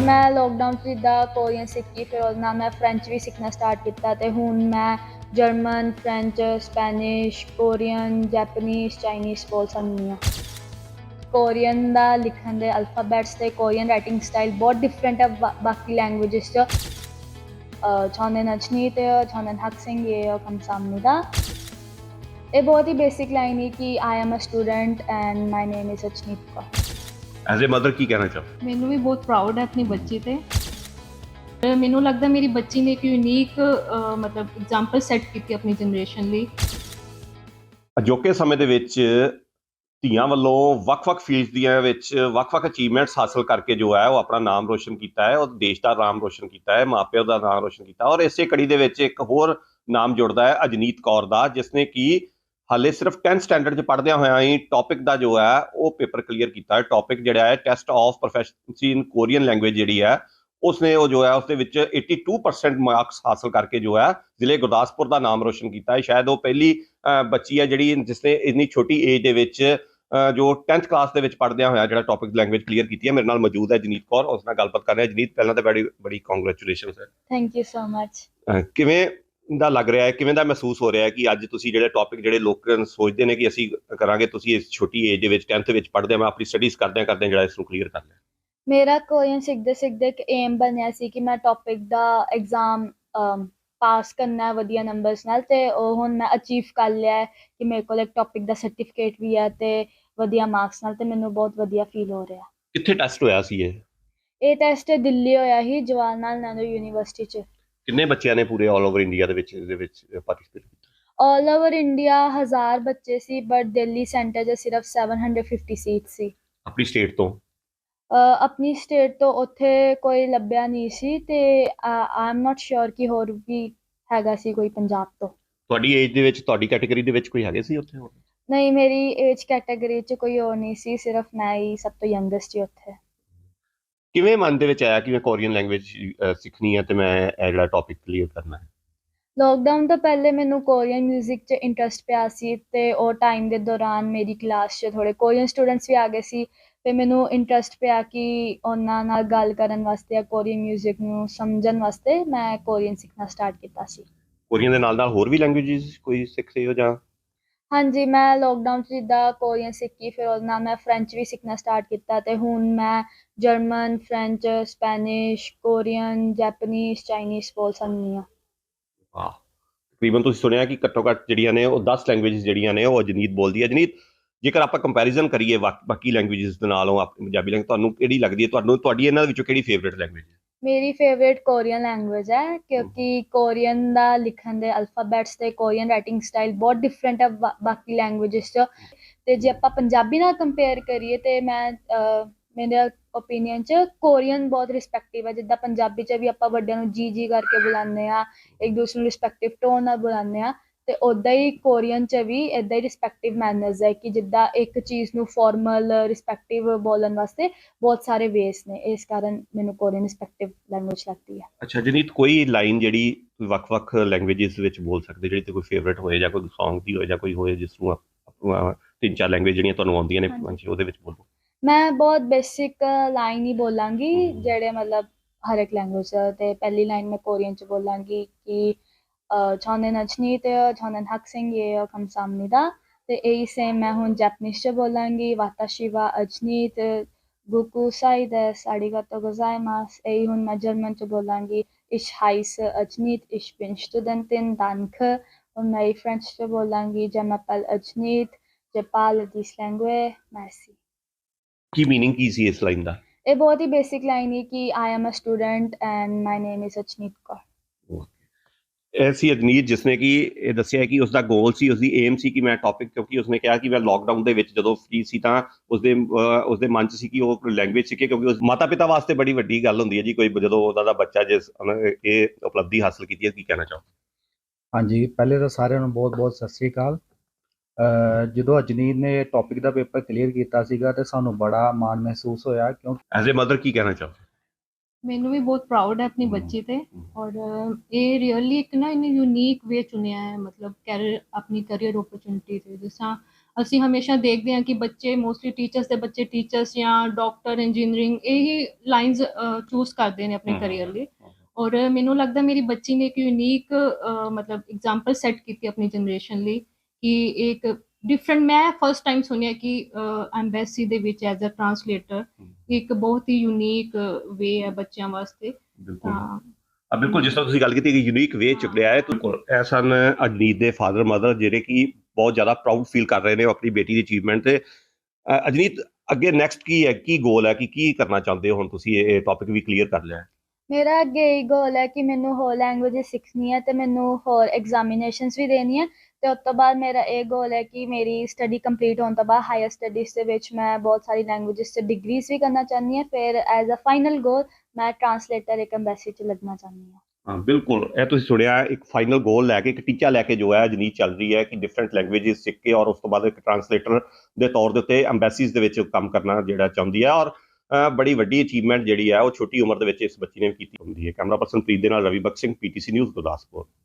मैं लॉकडाउन 'ਚ ਜਿੱਦਾਂ ਕੋਰੀਅਨ ਸਿੱਖੀ, ਫਿਰ ਉਹਦੇ ਨਾਲ ਮੈਂ ਫਰੈਂਚ ਵੀ ਸਿੱਖਣਾ ਸਟਾਰਟ ਕੀਤਾ ਅਤੇ ਹੁਣ ਮੈਂ German, French, Spanish, Korean, Japanese, Chinese ਬੋਲ ਸਕਦੀ ਹਾਂ। ਕੋਰੀਅਨ ਦਾ ਲਿਖਣ ਦੇ ਅਲਫਾਬੈਟਸ ਅਤੇ ਕੋਰੀਅਨ ਰਾਈਟਿੰਗ ਸਟਾਈਲ ਬਹੁਤ ਡਿਫਰੈਂਟ ਹੈ ਬਾਕੀ ਲੈਂਗੁਏਜਿਸ 'ਚ। 저는 ਅਜਨੀਤ, 저는 학생이에요, 감사합니다। ਇਹ ਬਹੁਤ ਹੀ ਬੇਸਿਕ ਲਾਈਨ ਹੈ ਕਿ I am a student and my name is Ajneet Kaur. As a mother ਕੀ ਕਹਿਣਾ ਚਾਹੋ? ਮੈਨੂੰ ਵੀ ਬਹੁਤ ਪ੍ਰਾਊਡ ਹੈ ਆਪਣੀ ਬੱਚੀ ਤੇ। ਮੈਨੂੰ ਲੱਗਦਾ ਮੇਰੀ ਬੱਚੀ ਨੇ ਇੱਕ ਯੂਨੀਕ ਮਤਲਬ ਐਗਜ਼ਾਮਪਲ ਸੈੱਟ ਕੀਤੀ ਆਪਣੀ ਜਨਰੇਸ਼ਨ ਲਈ। ਅਜੋਕੇ ਸਮੇਂ ਦੇ ਵਿੱਚ ਧੀਆਂ ਵੱਲੋਂ ਵੱਖ-ਵੱਖ ਫੀਲਡਸ ਦੀਆਂ ਵਿੱਚ ਵੱਖ-ਵੱਖ ਅਚੀਵਮੈਂਟਸ ਹਾਸਲ ਕਰਕੇ ਜੋ ਹੈ ਉਹ ਆਪਣਾ ਨਾਮ ਰੋਸ਼ਨ ਕੀਤਾ ਹੈ, ਉਹ ਦੇਸ਼ ਦਾ ਨਾਮ ਰੋਸ਼ਨ ਕੀਤਾ ਹੈ, ਮਾਪਿਆਂ ਦਾ ਨਾਮ ਰੋਸ਼ਨ ਕੀਤਾ। ਔਰ ਇਸੇ ਕੜੀ ਦੇ ਵਿੱਚ ਇੱਕ ਹੋਰ ਨਾਮ ਜੁੜਦਾ ਹੈ ਅਜਨੀਤ ਕੌਰ ਦਾ, ਜਿਸਨੇ ਕਿ ਹਾਲੇ ਸਿਰਫ 10th ਸਟੈਂਡਰਡ 'ਚ ਪੜ੍ਹਦਿਆਂ ਹੋਇਆਂ ਹੀ ਟੌਪਿਕ ਦਾ ਜੋ ਹੈ ਉਹ ਪੇਪਰ ਕਲੀਅਰ ਕੀਤਾ ਹੈ। ਟੌਪਿਕ ਜਿਹੜਾ ਹੈ test of proficiency in Korean language ਜਿਹੜੀ ਹੈ ਉਸਨੇ ਉਹ ਜੋ ਹੈ ਉਸਦੇ ਵਿੱਚ 82% ਮਾਰਕਸ ਹਾਸਲ ਕਰਕੇ ਜੋ ਹੈ ਜ਼ਿਲ੍ਹੇ ਗੁਰਦਾਸਪੁਰ ਦਾ ਨਾਮ ਰੋਸ਼ਨ ਕੀਤਾ ਹੈ। ਸ਼ਾਇਦ ਉਹ ਪਹਿਲੀ ਬੱਚੀ ਹੈ ਜਿਹੜੀ ਜਿਸਨੇ ਇੰਨੀ ਛੋਟੀ ਏਜ ਦੇ ਵਿੱਚ ਜੋ 10th ਕਲਾਸ ਦੇ ਵਿੱਚ ਪੜ੍ਹਦਿਆਂ ਹੋਇਆ ਜਿਹੜਾ ਟੌਪਿਕ ਲੈਂਗੁਏਜ ਕਲੀਅਰ ਕੀਤੀ ਹੈ। ਮੇਰੇ ਨਾਲ ਮੌਜੂਦ ਹੈ ਜਨੀਤ ਕੌਰ, ਉਸ ਨਾਲ ਗੱਲਬਾਤ ਕਰ ਰਹੇ ਹਾਂ। ਜਨੀਤ, ਪਹਿਲਾਂ ਤਾਂ ਬੜੀ ਕੰਗ੍ਰੈਚੁਲੇਸ਼ਨਸ ਹੈ। Thank you so much. ਕਿਵੇਂ ਦਾ ਲੱਗ ਰਿਹਾ ਹੈ, ਕਿਵੇਂ ਦਾ ਮਹਿਸੂਸ ਹੋ ਰਿਹਾ ਹੈ ਕਿ ਅੱਜ ਤੁਸੀਂ ਜਿਹੜੇ ਟੌਪਿਕ ਜਿਹੜੇ ਲੋਕ ਸੋਚਦੇ ਨੇ ਕਿ ਅਸੀਂ ਕਰਾਂਗੇ, ਤੁਸੀਂ ਇਸ ਛੋਟੀ ਏਜ ਦੇ ਵਿੱਚ 10th ਵਿੱਚ ਪੜ੍ਹਦੇ ਮੈਂ ਆਪਣੀ ਸਟੱਡੀਜ਼ ਕਰਦਿਆਂ ਜਿਹੜਾ ਇਸ ਨੂੰ ਕਲੀਅਰ ਕਰ ਲਿਆ? ਮੇਰਾ ਕੋਰੀਅਨ ਸਿੱਖਦੇ ਇੱਕ ਏਮ ਬਣਿਆ ਸੀ ਕਿ ਮੈਂ ਟੌਪਿਕ ਦਾ ਐਗਜ਼ਾਮ ਪਾਸ ਕਰਨਾ ਹੈ ਵਧੀਆ ਨੰਬਰਸ ਨਾਲ, ਅਤੇ ਉਹ ਹੁਣ ਮੈਂ ਅਚੀਵ ਕਰ ਲਿਆ ਹੈ ਕਿ ਮੇਰੇ ਕੋਲ ਇੱਕ ਟੌਪਿਕ ਦਾ ਸਰਟੀਫਿਕੇਟ ਵੀ ਹੈ ਅਤੇ ਵਧੀਆ ਮਾਰਕਸ ਨਾਲ, ਅਤੇ ਮੈਨੂੰ ਬਹੁਤ ਵਧੀਆ ਫੀਲ ਹੋ ਰਿਹਾ। ਕਿੱਥੇ ਟੈਸਟ ਹੋਇਆ ਸੀ ਇਹ ਟੈਸਟ ਦਿੱਲੀ ਹੋਇਆ ਸੀ, ਜਵਾਹਰ ਲਾਲ ਨਹਿਰੂ ਯੂਨੀਵਰਸਿਟੀ 'ਚ। ਕਿੰਨੇ ਬੱਚਿਆਂ ਨੇ ਪੂਰੇ ਆਲ ਓਵਰ ਇੰਡੀਆ ਦੇ ਵਿੱਚ ਇਹਦੇ ਵਿੱਚ ਪਾਰਟਿਸਿਪੇਟ ਕੀਤਾ? ਆਲ ਓਵਰ ਇੰਡੀਆ 1000 ਬੱਚੇ ਸੀ, ਬਟ ਦਿੱਲੀ ਸੈਂਟਰ 'ਚ ਸਿਰਫ 750 ਸੀਟ ਸੀ। ਆਪਣੀ ਸਟੇਟ ਤੋਂ? ਆਪਣੀ ਸਟੇਟ ਤੋਂ ਉੱਥੇ ਕੋਈ ਲੱਭਿਆ ਨਹੀਂ ਸੀ, ਅਤੇ ਆਈ ਐਮ ਨਾਟ ਸ਼ੋਰ ਕਿ ਹੋਰ ਵੀ ਹੈਗਾ ਸੀ ਕੋਈ ਪੰਜਾਬ ਤੋਂ। ਤੁਹਾਡੀ ਏਜ ਦੇ ਵਿੱਚ, ਤੁਹਾਡੀ ਕੈਟੇਗਰੀ ਦੇ ਵਿੱਚ ਕੋਈ ਹੈਗੇ ਸੀ ਉੱਥੇ ਹੋਰ? ਨਹੀਂ, ਮੇਰੀ ਏਜ ਕੈਟਾਗਰੀ 'ਚ ਕੋਈ ਹੋਰ ਨਹੀਂ ਸੀ, ਸਿਰਫ ਮੈਂ ਹੀ ਸਭ ਤੋਂ ਯੰਗੈਸਟ ਸੀ ਉੱਥੇ। ਕਿਵੇਂ ਮਨ ਦੇ ਵਿੱਚ ਆਇਆ ਕਿ ਮੈਂ ਕੋਰੀਅਨ ਲੈਂਗੁਏਜ ਸਿੱਖਣੀ ਹੈ ਅਤੇ ਮੈਂ ਇਹ ਜਿਹੜਾ ਟੌਪਿਕ ਕਲੀਅਰ ਕਰਨਾ ਹੈ? ਲੋਕਡਾਊਨ ਤੋਂ ਪਹਿਲੇ ਮੈਨੂੰ ਕੋਰੀਅਨ ਮਿਊਜ਼ਿਕ 'ਚ ਇੰਟਰਸਟ ਪਿਆ ਸੀ, ਅਤੇ ਉਹ ਟਾਈਮ ਦੇ ਦੌਰਾਨ ਮੇਰੀ ਕਲਾਸ 'ਚ ਥੋੜ੍ਹੇ ਕੋਰੀਅਨ ਸਟੂਡੈਂਟਸ ਵੀ ਆ ਗਏ ਸੀ, ਅਤੇ ਮੈਨੂੰ ਇੰਟਰਸਟ ਪਿਆ ਕਿ ਉਹਨਾਂ ਨਾਲ ਗੱਲ ਕਰਨ ਵਾਸਤੇ ਜਾਂ ਕੋਰੀਅਨ ਮਿਊਜ਼ਿਕ ਨੂੰ ਸਮਝਣ ਵਾਸਤੇ ਮੈਂ ਕੋਰੀਅਨ ਸਿੱਖਣਾ ਸਟਾਰਟ ਕੀਤਾ ਸੀ। ਕੋਰੀਅਨ ਦੇ ਨਾਲ ਹੋਰ ਵੀ ਲੈਂਗੁਏਜਿਸ ਕੋਈ ਸਿੱਖ ਰਹੇ ਹੋ ਜਾਂ? ਹਾਂਜੀ, ਮੈਂ ਲੋਕਡਾਊਨ 'ਚ ਜਿੱਦਾਂ ਕੋਰੀਅਨ ਸਿੱਖੀ, ਫਿਰ ਉਹਦੇ ਨਾਲ ਮੈਂ ਫਰੈਂਚ ਵੀ ਸਿੱਖਣਾ ਸਟਾਰਟ ਕੀਤਾ, ਅਤੇ ਹੁਣ ਮੈਂ German, French, Spanish, Korean, Japanese, Chinese ਬੋਲ ਸਕਦੀ ਹਾਂ। ਵਾਹ, ਤਕਰੀਬਨ ਤੁਸੀਂ ਸੁਣਿਆ ਕਿ ਘੱਟੋ ਘੱਟ ਜਿਹੜੀਆਂ ਨੇ ਉਹ 10 ਲੈਂਗੁਏਜਿਸ ਜਿਹੜੀਆਂ ਨੇ ਉਹ ਅਜਨੀਤ ਬੋਲਦੀ ਹੈ। ਅਜਨੀਤ, ਜੇਕਰ ਆਪਾਂ ਕੰਪੈਰੀਜ਼ਨ ਕਰੀਏ ਬਾਕੀ ਲੈਂਗੁਏਜਿਸ ਦੇ ਨਾਲ, ਉਹ ਆਪਣੀ ਪੰਜਾਬੀ ਲੈਂਗੁਏਜ ਤੁਹਾਨੂੰ ਕਿਹੜੀ ਲੱਗਦੀ ਹੈ? ਤੁਹਾਡੀ ਇਹਨਾਂ ਵਿੱਚੋਂ ਕਿਹੜੀ ਫੇਵਰੇਟ ਲੈਂਗੁਏਜ ਹੈ? ਮੇਰੀ ਫੇਵਰੇਟ ਕੋਰੀਅਨ ਲੈਂਗੁਏਜ ਹੈ, ਕਿਉਂਕਿ ਕੋਰੀਅਨ ਦਾ ਲਿਖਣ ਦੇ ਅਲਫਾਬੈਟਸ ਅਤੇ ਕੋਰੀਅਨ ਰਾਈਟਿੰਗ ਸਟਾਈਲ ਬਹੁਤ ਡਿਫਰੈਂਟ ਹੈ ਬਾਕੀ ਲੈਂਗੁਏਜਿਸ 'ਚ। ਅਤੇ ਜੇ ਆਪਾਂ ਪੰਜਾਬੀ ਨਾਲ ਕੰਪੇਅਰ ਕਰੀਏ ਤਾਂ ਮੇਰੇ ਓਪੀਨੀਅਨ 'ਚ ਕੋਰੀਅਨ ਬਹੁਤ ਰਿਸਪੈਕਟਿਵ ਹੈ। ਜਿੱਦਾਂ ਪੰਜਾਬੀ 'ਚ ਵੀ ਆਪਾਂ ਵੱਡਿਆਂ ਨੂੰ ਜੀ ਕਰਕੇ ਬੁਲਾਉਂਦੇ ਹਾਂ, ਇੱਕ ਦੂਸਰੇ ਨੂੰ ਰਿਸਪੈਕਟਿਵ ਟੋਨ ਨਾਲ ਬੁਲਾਉਂਦੇ ਹਾਂ, ਅਤੇ ਉੱਦਾਂ ਹੀ ਕੋਰੀਅਨ 'ਚ ਵੀ ਇੱਦਾਂ ਹੀ ਰਿਸਪੈਕਟਿਵ ਮੈਨਰਸ ਹੈ ਕਿ ਜਿੱਦਾਂ ਇੱਕ ਚੀਜ਼ ਨੂੰ ਫੋਰਮਲ ਰਿਸਪੈਕਟਿਵ ਬੋਲਣ ਵਾਸਤੇ ਬਹੁਤ ਸਾਰੇ ਵੇਸ ਨੇ। ਇਸ ਕਾਰਨ ਮੈਨੂੰ ਕੋਰੀਅਨ ਰਿਸਪੈਕਟਿਵ ਲੈਂਗੁਏਜ ਲੱਗਦੀ ਹੈ। ਅੱਛਾ ਜਨੀਤ, ਕੋਈ ਲਾਈਨ ਜਿਹੜੀ ਵੱਖ-ਵੱਖ ਲੈਂਗੁਏਜਿਸ ਵਿੱਚ ਬੋਲ ਸਕਦੇ, ਜਿਹੜੀ ਤੇ ਕੋਈ ਫੇਵਰੇਟ ਹੋਏ ਜਾਂ ਕੋਈ ਸੌਂਗ ਦੀ ਹੋਏ ਜਾਂ ਕੋਈ ਹੋਏ ਜਿਸ ਨੂੰ 3-4 ਲੈਂਗੁਏਜ ਜਿਹੜੀਆਂ ਤੁਹਾਨੂੰ ਆਉਂਦੀਆਂ ਨੇ ਉਹਦੇ ਵਿੱਚ ਬੋਲੋ? ਮੈਂ ਬਹੁਤ ਬੇਸਿਕ ਲਾਈਨ ਹੀ ਬੋਲਾਂਗੀ ਜਿਹੜੇ ਮਤਲਬ ਹਰ ਇੱਕ ਲੈਂਗੁਏਜ, ਅਤੇ ਪਹਿਲੀ ਲਾਈਨ ਮੈਂ ਕੋਰੀਅਨ 'ਚ ਬੋਲਾਂਗੀ ਕਿ 저는 ਅਜਨੀਤ, 저는 학생이에요, 감사합니다। ਅਤੇ ਇਹੀ ਸੇਮ ਮੈਂ ਹੁਣ ਜੈਪਨੀਜ਼ 'ਚ ਬੋਲਾਂਗੀ, ਵਾਤਾਸ਼ੀ ਵਾ ਅਜਨੀਤ, ਬੁਕੂ ਸਾਈ 데스, 아리가또 고자이마스। ਇਹੀ ਹੁਣ ਮੈਂ ਜਰਮਨ 'ਚ ਬੋਲਾਂਗੀ, ich heiße ਅਜਨੀਤ, ich bin Studentin, danke। ਹੁਣ ਮੈਂ ਫਰੈਂਚ 'ਚ ਬੋਲਾਂਗੀ, je m'appelle Ajneet, je parle dix langues, merci। ਕੀ ਮੀਨਿੰਗ ਕੀ ਸੀ ਇਸ ਲਾਈਨ ਦਾ? ਇਹ ਬਹੁਤ ਹੀ ਬੇਸਿਕ ਲਾਈਨ ਹੈ ਕਿ I am a student and my name is Ajneet Kaur. ਇਹ ਸੀ ਅਜਨੀਤ, ਜਿਸਨੇ ਕਿ ਇਹ ਦੱਸਿਆ ਕਿ ਉਸਦਾ ਗੋਲ ਸੀ, ਉਸਦੀ ਏਮ ਸੀ ਕਿ ਮੈਂ ਟੌਪਿਕ, ਕਿਉਂਕਿ ਉਸਨੇ ਕਿਹਾ ਕਿ ਮੈਂ ਲੋਕਡਾਊਨ ਦੇ ਵਿੱਚ ਜਦੋਂ ਫ੍ਰੀ ਸੀ ਤਾਂ ਉਸਦੇ ਮਨ 'ਚ ਸੀ ਕਿ ਉਹ ਲੈਂਗੁਏਜ ਸਿੱਖੇ, ਕਿਉਂਕਿ ਉਸ ਮਾਤਾ ਪਿਤਾ ਵਾਸਤੇ ਬੜੀ ਵੱਡੀ ਗੱਲ ਹੁੰਦੀ ਹੈ ਜੀ ਕੋਈ ਜਦੋਂ ਉਹਨਾਂ ਦਾ ਬੱਚਾ ਜਿਸ ਇਹ ਉਪਲਬਧੀ ਹਾਸਲ ਕੀਤੀ ਹੈ। ਕੀ ਕਹਿਣਾ ਚਾਹੋ? ਹਾਂਜੀ, ਪਹਿਲੇ ਤਾਂ ਸਾਰਿਆਂ ਨੂੰ ਬਹੁਤ ਬਹੁਤ ਸਤਿ ਸ਼੍ਰੀ ਅਕਾਲ। ਜਦੋਂ ਅਜਨੀਤ ਨੇ ਟੌਪਿਕ ਦਾ ਪੇਪਰ ਕਲੀਅਰ ਕੀਤਾ ਸੀਗਾ ਅਤੇ ਸਾਨੂੰ ਬੜਾ ਮਾਣ ਮਹਿਸੂਸ ਹੋਇਆ, ਕਿਉਂਕਿ ਐਜ਼ ਏ ਮਦਰ ਕੀ ਕਹਿਣਾ ਚਾਹੋ? ਮੈਨੂੰ ਵੀ ਬਹੁਤ ਪ੍ਰਾਊਡ ਹੈ ਆਪਣੀ ਬੱਚੀ ਤੇ, ਔਰ ਇਹ ਰੀਅਲੀ ਇੱਕ ਨਾ ਇਹਨੇ ਯੂਨੀਕ ਵੇ ਚੁਣਿਆ ਹੈ, ਮਤਲਬ ਆਪਣੀ ਕਰੀਅਰ ਓਪਰਚੁਨਿਟੀ 'ਤੇ। ਜਿਸ ਤਰ੍ਹਾਂ ਅਸੀਂ ਹਮੇਸ਼ਾ ਦੇਖਦੇ ਹਾਂ ਕਿ ਬੱਚੇ ਮੋਸਟਲੀ ਟੀਚਰਸ ਦੇ ਬੱਚੇ ਟੀਚਰਸ ਜਾਂ ਡਾਕਟਰ ਇੰਜੀਨੀਅਰਿੰਗ ਇਹੀ ਲਾਈਨਸ ਚੂਜ਼ ਕਰਦੇ ਨੇ ਆਪਣੇ ਕੈਰੀਅਰ ਲਈ। ਔਰ ਮੈਨੂੰ ਲੱਗਦਾ ਮੇਰੀ ਬੱਚੀ ਨੇ ਇੱਕ ਯੂਨੀਕ ਮਤਲਬ ਐਗਜ਼ਾਮਪਲ ਸੈੱਟ ਕੀਤੀ ਆਪਣੀ ਜਨਰੇਸ਼ਨ ਲਈ ਕਿ ਇੱਕ ਡਿਫਰੈਂਟ, ਮੈਂ ਫਸਟ ਟਾਈਮ ਸੁਣਿਆ ਕਿ ਐਮਬੈਸੀ ਦੇ ਵਿੱਚ ਐਜ਼ ਅ ਟਰਾਂਸਲੇਟਰ ਇੱਕ ਬਹੁਤ ਹੀ ਯੂਨੀਕ ਵੇ ਹੈ ਬੱਚਿਆਂ ਵਾਸਤੇ। ਬਿਲਕੁਲ, ਜਿਸ ਤਰ੍ਹਾਂ ਤੁਸੀਂ ਗੱਲ ਕੀਤੀ ਕਿ ਯੂਨੀਕ ਵੇ ਚੁੱਕਿਆ ਹੈ, ਇਹ ਸਨ ਅਜਨੀਤ ਦੇ ਫਾਦਰ ਮਦਰ ਜਿਹੜੇ ਕਿ ਬਹੁਤ ਜ਼ਿਆਦਾ ਪ੍ਰਾਊਡ ਫੀਲ ਕਰ ਰਹੇ ਨੇ ਆਪਣੀ ਬੇਟੀ ਦੀ ਅਚੀਵਮੈਂਟ ਤੇ। ਅਜਨੀਤ, ਅੱਗੇ ਨੈਕਸਟ ਕੀ ਹੈ, ਕੀ ਗੋਲ ਹੈ, ਕਿ ਕੀ ਕਰਨਾ ਚਾਹੁੰਦੇ ਹੋ? ਹੁਣ ਤੁਸੀਂ ਇਹ ਟੌਪਿਕ ਵੀ ਕਲੀਅਰ ਕਰ ਲਿਆ। ਮੇਰਾ ਅੱਗੇ ਇਹ ਗੋਲ ਹੈ ਕਿ ਮੈਨੂੰ ਹੋਰ ਲੈਂਗੁਏਜਿਸ ਸਿੱਖਣੀ ਹੈ ਅਤੇ ਮੈਨੂੰ ਹੋਰ ਐਗਜ਼ਾਮੀਨੇਸ਼ਨਸ ਵੀ ਦੇਣੀਆਂ, ਅਤੇ ਉਸ ਤੋਂ ਬਾਅਦ ਮੇਰਾ ਇਹ ਗੋਲ ਹੈ ਕਿ ਮੇਰੀ ਸਟੱਡੀ ਕੰਪਲੀਟ ਹੋਣ ਤੋਂ ਬਾਅਦ ਹਾਇਰ ਸਟੱਡੀਜ਼ ਦੇ ਵਿੱਚ ਮੈਂ ਬਹੁਤ ਸਾਰੀ ਲੈਂਗੁਏਜਿਸ 'ਚ ਡਿਗਰੀਜ਼ ਵੀ ਕਰਨਾ ਚਾਹੁੰਦੀ ਹਾਂ। ਫਿਰ ਐਜ਼ ਅ ਫਾਈਨਲ ਗੋਲ ਮੈਂ ਟਰਾਂਸਲੇਟਰ ਇੱਕ ਐਮਬੈਸੀ 'ਚ ਲੱਗਣਾ ਚਾਹੁੰਦੀ ਹਾਂ। ਹਾਂ, ਬਿਲਕੁਲ, ਇਹ ਤੁਸੀਂ ਸੁਣਿਆ, ਇੱਕ ਫਾਈਨਲ ਗੋਲ ਲੈ ਕੇ, ਇੱਕ ਟੀਚਾ ਲੈ ਕੇ ਜੋ ਹੈ ਅਜਨੀਤ ਚੱਲ ਰਹੀ ਹੈ ਕਿ ਡਿਫਰੈਂਟ ਲੈਂਗੁਏਜਿਸ ਸਿੱਖ ਕੇ ਔਰ ਉਸ ਤੋਂ ਬਾਅਦ ਇੱਕ ਟਰਾਂਸਲੇਟਰ ਦੇ ਤੌਰ ਦੇ ਉੱਤੇ ਐਮਬੈਸੀਜ਼ ਦੇ ਵਿੱਚ ਕੰਮ ਕਰਨਾ ਜਿਹੜਾ ਚਾਹੁੰਦੀ ਹੈ। ਔਰ ਬੜੀ ਵੱਡੀ ਅਚੀਵਮੈਂਟ ਜਿਹੜੀ ਹੈ ਉਹ ਛੋਟੀ ਉਮਰ ਦੇ ਵਿੱਚ ਇਸ ਬੱਚੀ ਨੇ ਕੀਤੀ ਹੁੰਦੀ ਹੈ। ਕੈਮਰਾ ਪਰਸਨ ਪ੍ਰੀਤ ਦੇ ਨਾਲ ਰਵੀ ਬਖਸ਼ ਸਿੰਘ, PTC ਨਿਊਜ਼, ਗੁਰਦਾਸਪੁਰ।